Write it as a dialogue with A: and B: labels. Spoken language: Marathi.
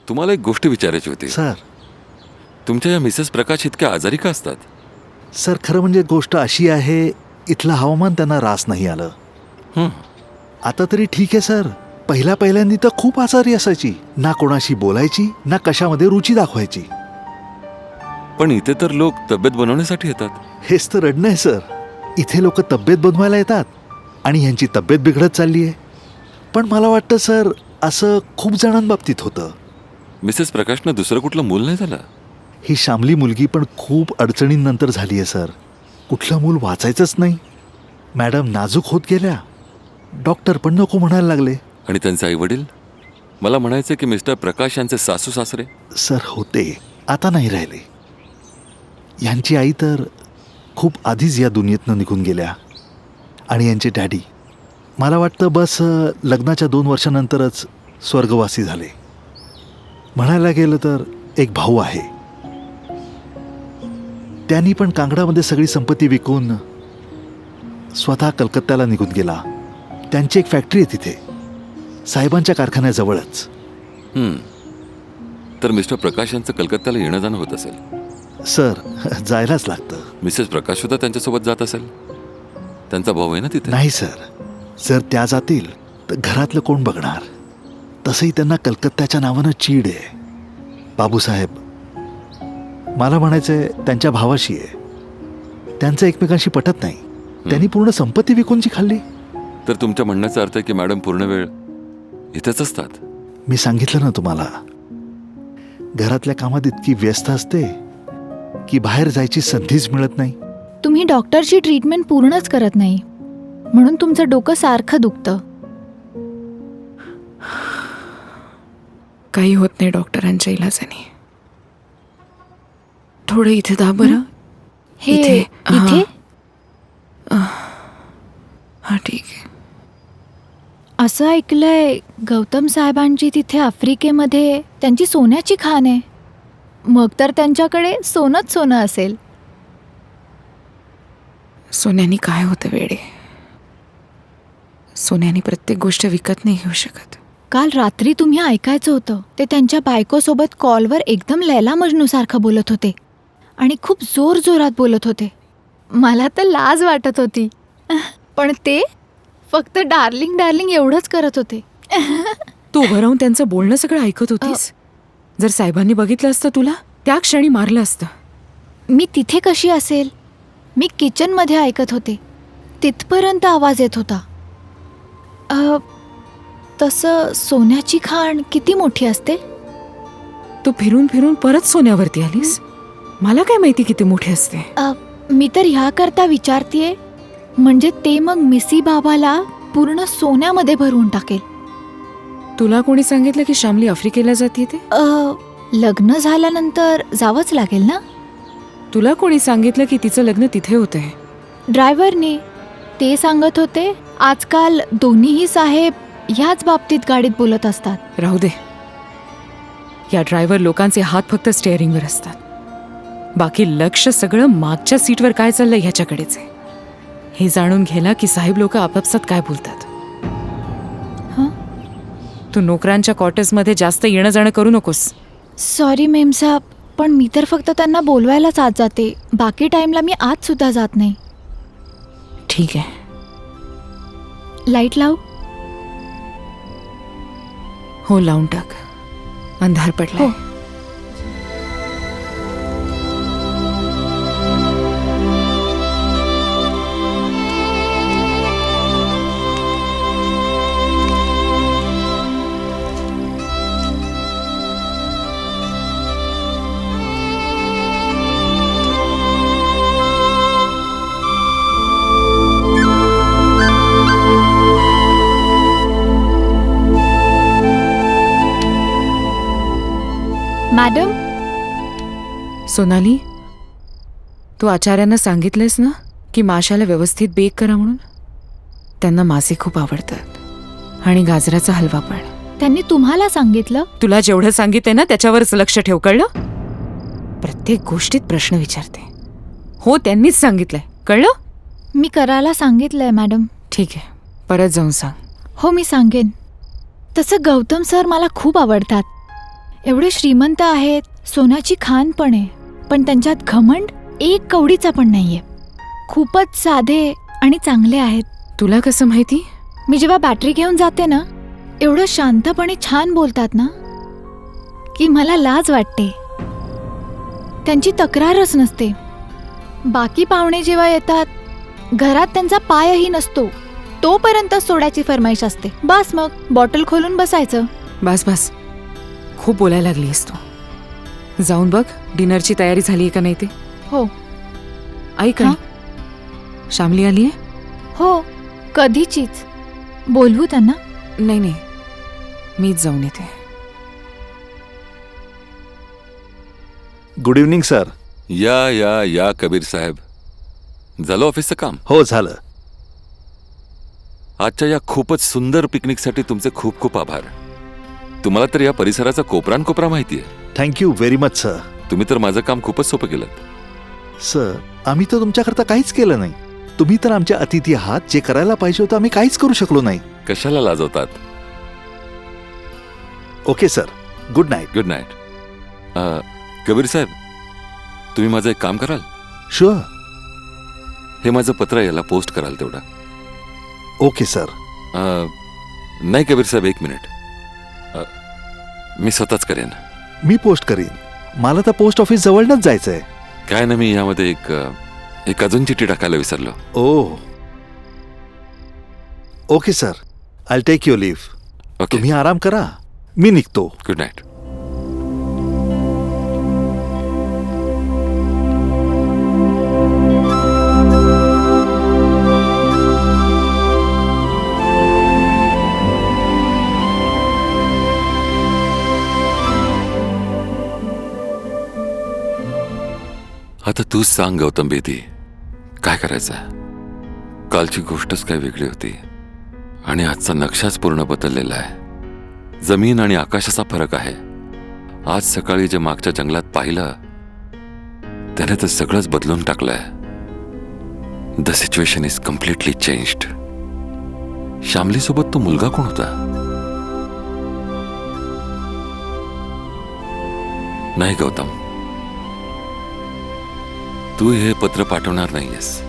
A: तुम्हाला एक गोष्ट विचारायची होती.
B: सर
A: तुमच्या या मिसेस प्रकाश इतक्या आजारी का असतात?
B: सर खरं म्हणजे गोष्ट अशी आहे, इथलं हवामान त्यांना रास नाही आलं.
A: हं.
B: आता तरी ठीक आहे सर. पहिल्यांदी तर खूप आजारी असायची. ना कोणाशी बोलायची, ना कशामध्ये रुची दाखवायची.
A: पण इथे तर लोक तब्येत बनवण्यासाठी येतात.
B: हेच तर रडणं आहे सर. इथे लोक तब्येत बनवायला येतात आणि ह्यांची तब्येत बिघडत चालली आहे. पण मला वाटतं सर असं खूप जणांबाबतीत होतं.
A: मिसेस प्रकाशनं दुसरं कुठलं मूल नाही झालं?
B: ही शामली मुलगी पण खूप अडचणींनंतर झाली आहे सर. कुठलं मूल वाचायचंच नाही. मॅडम नाजूक होत गेल्या. डॉक्टर पण नको म्हणायला लागले.
A: आणि त्यांचे आई वडील? मला म्हणायचं की मिस्टर प्रकाश यांचे सासू सासरे?
B: सर होते, आता नाही राहिले. यांची आई तर खूप आधीच या दुनियेतनं निघून गेल्या. आणि यांचे डॅडी मला वाटतं बस लग्नाच्या 2 वर्षानंतरच स्वर्गवासी झाले. म्हणायला गेलं तर एक भाऊ आहे. त्यांनी पण कांगडामध्ये सगळी संपत्ती विकून स्वतः कलकत्त्याला निघून गेला. त्यांची एक फॅक्टरी आहे तिथे, साहेबांच्या कारखान्याजवळच.
A: तर मिस्टर प्रकाश यांचं कलकत्त्याला येणं जाणं होत असेल?
B: सर जायलाच लागतं.
A: मिसेस प्रकाश सुद्धा त्यांच्यासोबत जात असेल? त्यांचा भाऊ आहे ना तिथे?
B: नाही सर, जर त्या जातील तर घरातलं कोण बघणार? तसंही त्यांना कलकत्त्याच्या नावानं चीड आहे. बाबूसाहेब मला म्हणायचंय त्यांच्या भावाशी आहे. त्यांचं एकमेकांशी पटत नाही. त्यांनी पूर्ण संपत्ती विकून जी खाल्ली.
A: तर तुमच्या म्हणण्याचा अर्थ आहे की मॅडम पूर्ण वेळ इथेच असतात?
B: मी सांगितलं ना तुम्हाला, घरातल्या कामात इतकी व्यस्त असते की बाहेर जायची संधीच मिळत नाही.
C: तुम्ही डॉक्टरची ट्रीटमेंट पूर्णच करत नाही, म्हणून तुमचं डोकं सारखं दुखतं.
D: काही होत नाही डॉक्टरांच्या इलाजाने. थोडं इथे दा बरं.
C: हे
D: इथे?
C: इथे
D: हा ठीक आहे.
C: असं ऐकलंय गौतम साहेबांची तिथे आफ्रिकेमध्ये त्यांची सोन्याची खाण आहे. मग तर त्यांच्याकडे सोनंच सोनं असेल.
D: सोन्यानी काय होतं वेडे? सोन्यानी प्रत्येक गोष्ट विकत नाही घेऊ शकत.
C: काल रात्री तुम्ही ऐकायचं होतं, ते त्यांच्या बायकोसोबत कॉलवर एकदम लैला मजनू सारखं बोलत होते आणि खूप जोर जोरात बोलत होते. मला तर लाज वाटत होती, पण ते फक्त डार्लिंग डार्लिंग एवढंच करत होते.
D: तू उभं राहून त्यांचं बोलणं सगळं ऐकत होतीस. जर साहेबांनी बघितलं असतं तुला, त्या क्षणी मारलं असतं.
C: मी तिथे कशी असेल? मी किचनमध्ये ऐकत होते. तिथपर्यंत आवाज येत होता. तसं सोन्याची खाण किती मोठी असते?
D: तू फिरून फिरून परत सोन्यावरती आलीस. मला काय माहिती किती मोठी असते.
C: मी तर ह्याकरता विचारतीये, म्हणजे ते मग मिसी बाबाला पूर्ण सोन्यामध्ये भरवून टाकेल.
D: तुला कोणी सांगितलं की शामली आफ्रिकेला जाते ते?
C: लग्न झाल्यानंतर जावंच लागेल ना?
D: तुला कोणी सांगितलं की तिचं लग्न तिथे होतंय?
C: ड्रायव्हरने. ते सांगत होते आजकाल दोन्हीही साहेब ह्याच बाबतीत गाडीत बोलत असतात.
D: राहू दे. या ड्रायव्हर लोकांचे हात फक्त स्टेअरिंगवर असतात. बाकी लक्ष सगळं मागच्या सीटवर काय चाललंय ह्याच्याकडेच आहे. हे जाणून घ्यायला की साहेब लोक आपापसात काय बोलतात. तू नोकरांच्या क्वार्टर्समध्ये जास्त येणं जाणं करू नकोस.
C: सॉरी मेम साहेब, पण मी तर फक्त त्यांना बोलवायलाच आत जाते. बाकी टाइमला मी आत सुद्धा जात नाही.
D: ठीक आहे.
C: लाईट लाव.
D: हो लावून टाक. अंधार पडलाय.
C: मॅडम.
D: सोनाली, तू आचार्यांना सांगितलंयस ना की माशाला व्यवस्थित बेक करा म्हणून? त्यांना मासे खूप आवडतात आणि गाजराचा हलवा पण.
C: त्यांनी तुम्हाला सांगितलं?
D: तुला जेवढं सांगितलंय ना त्याच्यावरच लक्ष ठेव, कळलं? प्रत्येक गोष्टीत प्रश्न विचारते. हो त्यांनीच सांगितलंय, कळलं?
C: मी करायला सांगितलंय मॅडम.
D: ठीक आहे, परत जाऊन सांग.
C: हो मी सांगेन. तसं गौतम सर मला खूप आवडतात. एवढे श्रीमंत आहेत, सोन्याची खाण पण आहे, पण त्यांच्यात घमंड एक कवडीचा पण नाहीये. खूपच साधे आणि चांगले आहेत.
D: तुला कसं माहिती?
C: मी जेव्हा बॅटरी घेऊन जाते ना, एवढं शांतपणे छान बोलतात ना की मला लाज वाटते. त्यांची तक्रारच नसते. बाकी पाहुणे जेव्हा येतात, घरात त्यांचा पायही नसतो, तोपर्यंत सोड्याची फरमाईश असते. बस मग बॉटल खोलून बसायचं.
D: बस बस, खूप बोलायला लागलीस तू. जाऊन बघ डिनरची तयारी झाली का नाही ते.
C: हो
D: ऐक
C: हा?
D: श्यामली आलीये?
C: हो, कधीचीच. बोलवू त्यांना?
D: नाही नाही, मीच जाऊन येते.
B: Good evening sir.
A: या या या कबीर साहेब, झालं ऑफिसचं काम?
B: हो झालं.
A: आजच्या या खूपच सुंदर पिकनिकसाठी तुमचे खूप खूप आभार. तुम्हाला तर या परिसराचा कोपरानकोपरा माहिती आहे.
B: Thank you very much sir.
A: तुम्ही तर माझं काम खूपच सोपं केलं.
B: सर, आम्ही तर तुमच्याकरता काहीच केलं नाही. तुम्ही तर आमच्या अतिथी आहात. जे करायला पाहिजे होतं आम्ही काहीच करू शकलो नाही.
A: कशाला लाजवतात?
B: Okay sir, good night.
A: Good night. Kabir साहेब, तुम्ही माझं एक काम कराल?
B: शुअर.
A: हे माझं पत्र याला पोस्ट कराल तेवढा?
B: Okay sir.
A: नाही कबीर साहेब, एक मिनिट. मी स्वतःच करेन.
B: मी पोस्ट करीन. मला तर पोस्ट ऑफिस जवळनच जायचंय.
A: काय ना, मी यामध्ये एक अजून चिठ्ठी टाकायला विसरलो.
B: Oh okay sir, I take your leave.
A: Okay,
B: तुम्ही आराम करा, मी निघतो.
A: Good night. आता तूच सांग गौतम बेदी, काय करायचं? कालची गोष्टच काय वेगळी होती आणि आजचा नक्षाच पूर्ण बदललेला आहे. जमीन आणि आकाशाचा फरक आहे. आज सकाळी जे मागच्या जंगलात पाहिलं त्याने तर सगळंच बदलून टाकलंय. The situation is completely changed. Shyamali सोबत तो मुलगा कोण होता? नाही गौतम, तू हे पत्र पाठवणार नाहीयेस.